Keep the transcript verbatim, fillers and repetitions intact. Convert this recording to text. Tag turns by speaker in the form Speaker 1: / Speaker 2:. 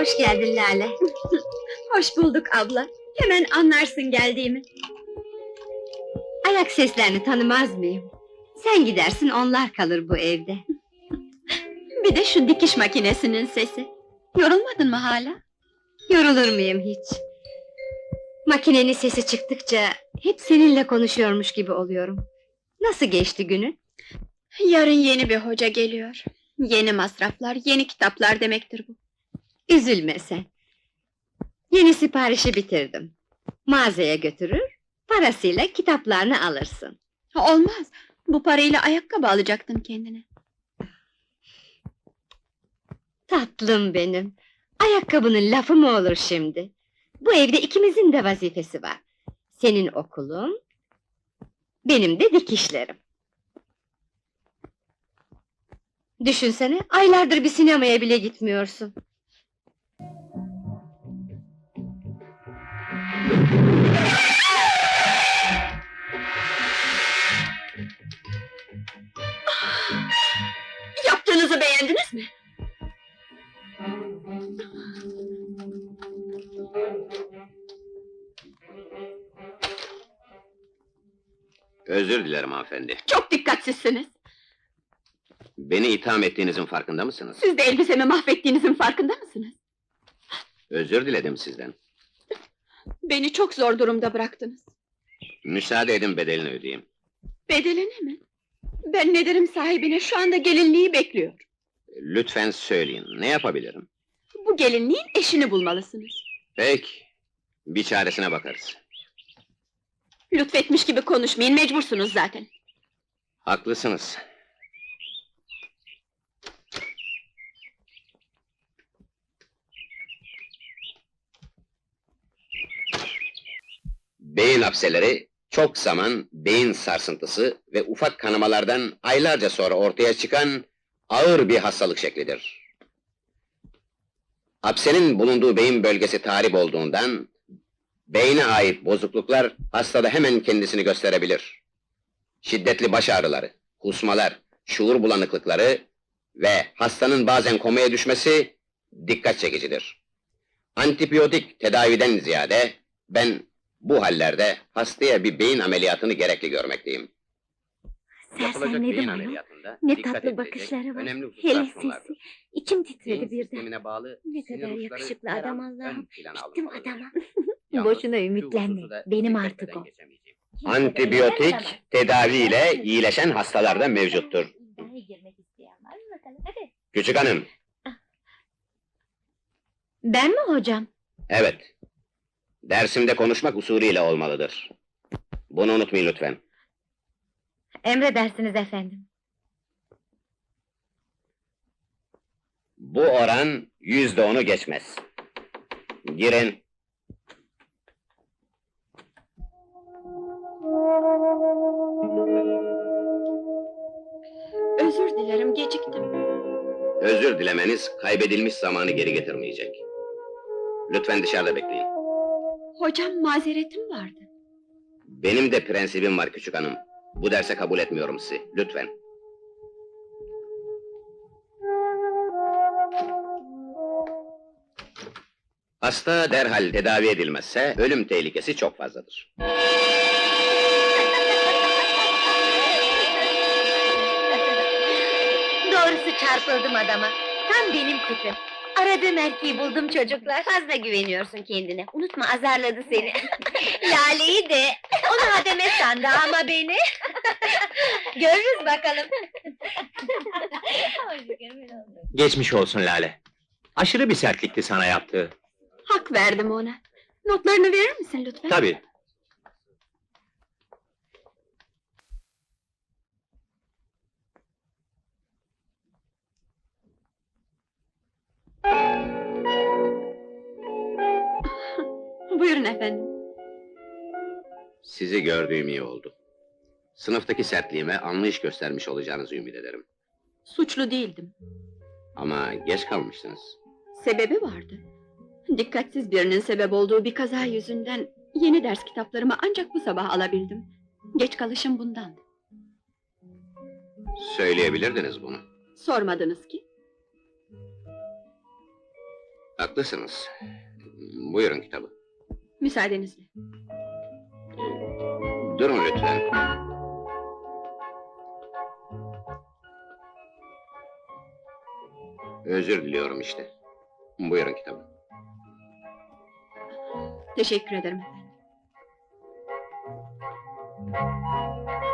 Speaker 1: Hoş geldin Lale.
Speaker 2: Hoş bulduk abla. Hemen anlarsın geldiğimi.
Speaker 1: Ayak seslerini tanımaz mıyım? Sen gidersin, onlar kalır bu evde.
Speaker 2: Bir de şu dikiş makinesinin sesi. Yorulmadın mı hala?
Speaker 1: Yorulur muyum hiç? Makinenin sesi çıktıkça hep seninle konuşuyormuş gibi oluyorum. Nasıl geçti günün?
Speaker 2: Yarın yeni bir hoca geliyor. Yeni masraflar, yeni kitaplar demektir bu.
Speaker 1: Üzülme sen. Yeni siparişi bitirdim. Mağazaya götürür, parasıyla kitaplarını alırsın.
Speaker 2: Olmaz. Bu parayla ayakkabı alacaktın kendine.
Speaker 1: Tatlım benim. Ayakkabının lafı mı olur şimdi? Bu evde ikimizin de vazifesi var. Senin okulun, benim de dikişlerim. Düşünsene, aylardır bir sinemaya bile gitmiyorsun.
Speaker 2: Yaptığınızı beğendiniz mi?
Speaker 3: Özür dilerim hanımefendi.
Speaker 2: Çok dikkatsizsiniz.
Speaker 3: Beni itham ettiğinizin farkında mısınız?
Speaker 2: Siz de elbisemi mahvettiğinizin farkında mısınız?
Speaker 3: Özür diledim sizden.
Speaker 2: Beni çok zor durumda bıraktınız.
Speaker 3: Müsaade edin, bedelini ödeyeyim.
Speaker 2: Bedelini mi? Ben ne derim sahibine, şu anda gelinliği bekliyor.
Speaker 3: Lütfen söyleyin, ne yapabilirim?
Speaker 2: Bu gelinliğin eşini bulmalısınız.
Speaker 3: Peki, bir çaresine bakarız.
Speaker 2: Lütfetmiş gibi konuşmayın, mecbursunuz zaten.
Speaker 3: Haklısınız. Beyin hapseleri, çok zaman beyin sarsıntısı ve ufak kanamalardan aylarca sonra ortaya çıkan ağır bir hastalık şeklidir. Hapsenin bulunduğu beyin bölgesi tahrip olduğundan, beyne ait bozukluklar hastada hemen kendisini gösterebilir. Şiddetli baş ağrıları, kusmalar, şuur bulanıklıkları ve hastanın bazen komaya düşmesi dikkat çekicidir. Antibiyotik tedaviden ziyade ben bu hallerde hastaya bir beyin ameliyatını gerekli görmekteyim. Yapılacak beyin
Speaker 1: Sersemledim ayol.
Speaker 3: ameliyatında
Speaker 1: Ne
Speaker 3: dikkat
Speaker 1: tatlı
Speaker 3: edilecek
Speaker 1: bakışları var.
Speaker 3: önemli hususlar
Speaker 1: Hele
Speaker 3: şunlardır.
Speaker 1: sesi. İçim titredi
Speaker 3: Beyin
Speaker 1: birden.
Speaker 3: sistemine bağlı
Speaker 1: Ne
Speaker 3: sinir
Speaker 1: kadar
Speaker 3: uçları
Speaker 1: yakışıklı
Speaker 3: her
Speaker 1: adam
Speaker 3: an ön
Speaker 1: Allah'ım.
Speaker 3: plana
Speaker 1: Bittim
Speaker 3: alınmalıdır.
Speaker 1: adama.
Speaker 3: Yalnız
Speaker 1: Boşuna
Speaker 3: şu
Speaker 1: ümitlenme.
Speaker 3: hususu da
Speaker 1: Benim
Speaker 3: dikkat
Speaker 1: artık
Speaker 3: etmeden
Speaker 1: o.
Speaker 3: geçemeyeceğim. Antibiyotik tedaviyle iyileşen hastalarda mevcuttur. Küçük hanım,
Speaker 1: Ben mi hocam?
Speaker 3: evet. Dersimde konuşmak usulüyle olmalıdır. Bunu unutmayın lütfen.
Speaker 1: Emredersiniz efendim.
Speaker 3: Bu oran yüzde onu geçmez. Girin.
Speaker 2: Özür dilerim, geciktim.
Speaker 3: Özür dilemeniz kaybedilmiş zamanı geri getirmeyecek. Lütfen dışarıda bekleyin.
Speaker 2: Hocam, mazeretim vardı.
Speaker 3: Benim de prensibim var küçük hanım. Bu derse kabul etmiyorum sizi. Lütfen. Hasta derhal tedavi edilmezse ölüm tehlikesi çok fazladır.
Speaker 1: Doğrusu çarpıldım adama. Tam benim tipim. Aradığım erkeği buldum çocuklar. Fazla güveniyorsun kendine. Unutma, azarladı seni. Lale'yi de. Onu hademe sandı ama beni. Görürüz bakalım.
Speaker 4: Geçmiş olsun Lale. Aşırı bir sertlikti sana yaptığı.
Speaker 2: Hak verdim ona. Notlarını verir misin lütfen?
Speaker 4: Tabii.
Speaker 2: Buyurun efendim.
Speaker 3: Sizi gördüğüm iyi oldu. Sınıftaki sertliğime anlayış göstermiş olacağınızı ümit ederim.
Speaker 2: Suçlu değildim.
Speaker 3: Ama geç kalmışsınız.
Speaker 2: Sebebi vardı. Dikkatsiz birinin sebep olduğu bir kaza yüzünden yeni ders kitaplarımı ancak bu sabah alabildim. Geç kalışım bundandı.
Speaker 3: Söyleyebilirdiniz bunu.
Speaker 2: Sormadınız ki.
Speaker 3: Haklısınız. Buyurun kitabı.
Speaker 2: Müsaadenizle.
Speaker 3: Durun lütfen. Özür diliyorum işte. Buyurun kitabı.
Speaker 2: Teşekkür ederim efendim.